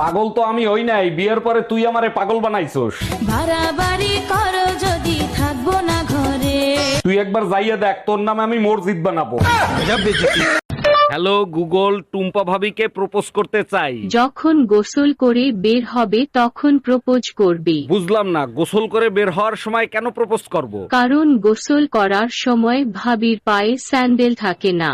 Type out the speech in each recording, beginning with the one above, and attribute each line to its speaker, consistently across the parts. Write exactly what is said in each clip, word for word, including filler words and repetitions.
Speaker 1: পাগল তো আমি হই নাই, বিয়ের পরে তুই আমারে পাগল বানাইছস।
Speaker 2: বাড়াবাড়ি করো যদি থাকবো না ঘরে।
Speaker 1: তুই একবার যাইয়া দেখ, তোর নামে আমি মসজিদ বানাবো। হ্যালো গুগল, টুম্পা ভাবিকে প্রপোজ করতে চাই।
Speaker 3: যখন গোসল করে বের হবে তখন প্রপোজ করবে।
Speaker 1: বুঝলাম না, গোসল করে বের হওয়ার সময় কেন প্রপোজ করব?
Speaker 3: কারণ গোসল করার সময় ভাবির পায়ে স্যান্ডেল থাকে না।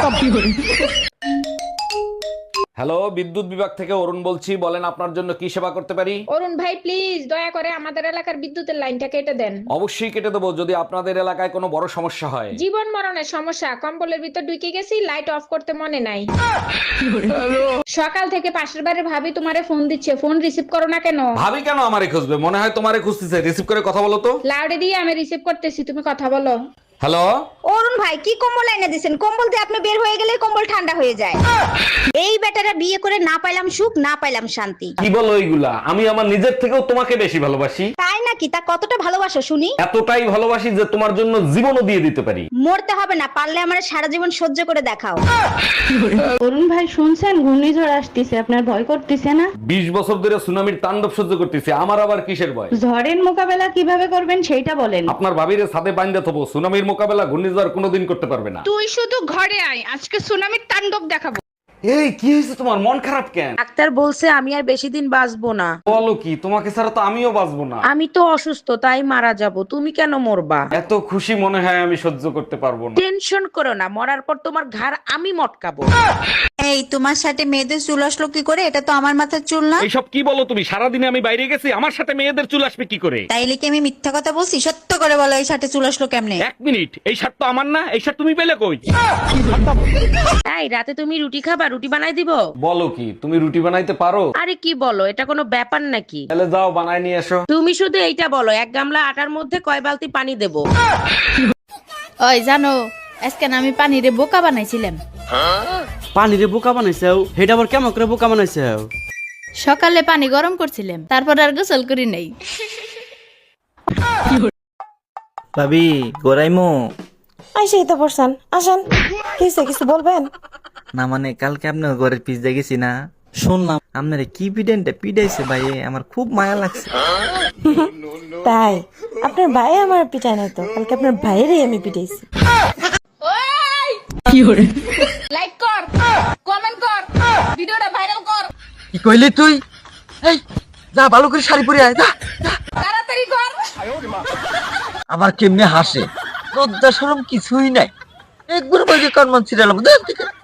Speaker 1: হ্যালো, বিদ্যুৎ বিভাগ থেকে অরুণ বলছি, বলেন আপনার জন্য কি সেবা করতে পারি?
Speaker 4: অরুণ ভাই প্লিজ দয়া করে আমাদের এলাকার বিদ্যুতের লাইনটা কেটে দেন।
Speaker 1: অবশ্যই কেটে দেবো, যদি আপনাদের এলাকায় কোনো বড় সমস্যা হয়।
Speaker 4: জীবন মরণের সমস্যা, কম্বলের ভিতর ঢুকে গেছি, লাইট অফ করতে মনে নাই। সকাল থেকে পাশের বাড়ির ভাবি তোমারে ফোন দিচ্ছে, ফোন রিসিভ করো না কেন?
Speaker 1: ভাবি কেন আমারে খুঁজবে? মনে হয় তোমারে খুঁজতেছে। রিসিভ করে কথা বলো তো।
Speaker 4: লাউডে দিয়ে আমি রিসিভ করতেছি, তুমি কথা বলো।
Speaker 1: হ্যালো,
Speaker 5: অরুণ ভাই কি কম্বল এনে দিছেন? কম্বল দিয়ে আপনি বের হয়ে গেলে কম্বল ঠান্ডা হয়ে যায়। এই বেটারা বিয়ে করে না পাইলাম সুখ, না পাইলাম শান্তি।
Speaker 1: কি বলো এইগুলা? আমি আমার নিজের থেকেও তোমাকে বেশি ভালোবাসি।
Speaker 5: তাই নাকি? তা কতটা ভালোবাসো শুনি?
Speaker 1: এতটাই ভালোবাসি যে তোমার জন্য জীবনও দিয়ে দিতে পারি।
Speaker 5: মরতে হবে না, পারলে আমার সারা জীবন সহ্য করে দেখাও।
Speaker 6: অরুণ ভাই শুনছেন ঘূর্ণিঝড় আসতেছে, আপনার ভয় করতেছে না?
Speaker 1: বিশ বছর ধরে সুনামির তাণ্ডব সহ্য করতেছি, আমার আবার কিসের ভয়?
Speaker 6: ঝড়ের মোকাবেলা কিভাবে করবেন সেইটা বলেন।
Speaker 1: আপনার ভাবিরে ছাদে বাইন্ধে থবো, সুনামির মোকাবেলা ঘূর্ণিঝড় কোনোদিন করতে পারবে না।
Speaker 4: তুই শুধু ঘরে আয়, আজকে সুনামির তাণ্ডব দেখাবো।
Speaker 1: এই কি হয়েছে তোমার? মন খারাপ কেন?
Speaker 7: ডাক্তার বলছে আমি আর বেশি দিন বাঁচবো না।
Speaker 1: বলো কি? তোমাকে ছাড়া তো আমিও বাঁচবো না।
Speaker 7: আমি তো অসুস্থ, তাই মারা যাব। তুমি কেন মরবা?
Speaker 1: এত খুশি মনে হয় আমি সহ্য করতে পারবো না।
Speaker 7: টেনশন করো না, মরার পর তোমার ঘাড় আমি মটকাবো।
Speaker 5: এই তোমার সাথে মেয়েদের চুল আসলো কি করে? এটা তো আমার মাথার চুল না।
Speaker 1: এইসব কি বলো তুমি? সারাদিনে আমি বাইরে গেছি, আমার সাথে মেয়েদের চুল আসবে কি করে?
Speaker 5: তাইলে কি আমি মিথ্যা কথা বলছি? সত্য করে বলো, এই সাথে চুল আসলো কেমনে?
Speaker 1: এক মিনিট, এই শার্ট তো আমার না। এই শার্ট তুমি পেলে কই?
Speaker 7: তাই রাতে তুমি রুটি খাবা? রুটি বানাই দিব?
Speaker 1: বলো কি? তুমি রুটি বানাইতে পারো?
Speaker 7: আরে কি বলো, এটা কোনো ব্যাপার নাকি?
Speaker 1: তাহলে যাও বানাই নিয়ে এসো।
Speaker 7: তুমি শুধু এইটা বলো, এক গামলা আটার মধ্যে কয় বালতি পানি দেবো?
Speaker 2: ওই জানো, আজকে না আমি পানিরে বোকা বানাইছিলাম।
Speaker 8: পানিরে বোকা বানাইছেও? হেটা আবার কেমন করে বোকা বানাইছেও?
Speaker 2: সকালে পানি গরম করছিলাম, তারপর আর গোসল করি নাই।
Speaker 9: ভাবি গোরাইমো
Speaker 6: আইসেই তো পড়ছেন, আসেন। কিছু কিছু বলবেন?
Speaker 9: না মানে কালকে আপনার ঘরের পিস দেখেছি না, শুনলাম আপনার কি পিডেন্টে পিডাইছে ভাই, আমার খুব মায়া লাগছে।
Speaker 6: তাই আপনার ভাই আমার পিটায় নাই তো, কালকে আপনার ভাইয়েরই আমি পিটাইছি।
Speaker 4: লাইক কর, কমেন্ট কর, ভিডিওটা ভাইরাল কর।
Speaker 9: কি কইলি তুই? এই যা ভালো করে শাড়ি পরে আয়, যা
Speaker 4: তাড়াতাড়ি কর।
Speaker 9: আবার কেমনে হাসে, লজ্জা শরম কিছুই নাই, একবার বাজে কান মান ছিড়ালাম।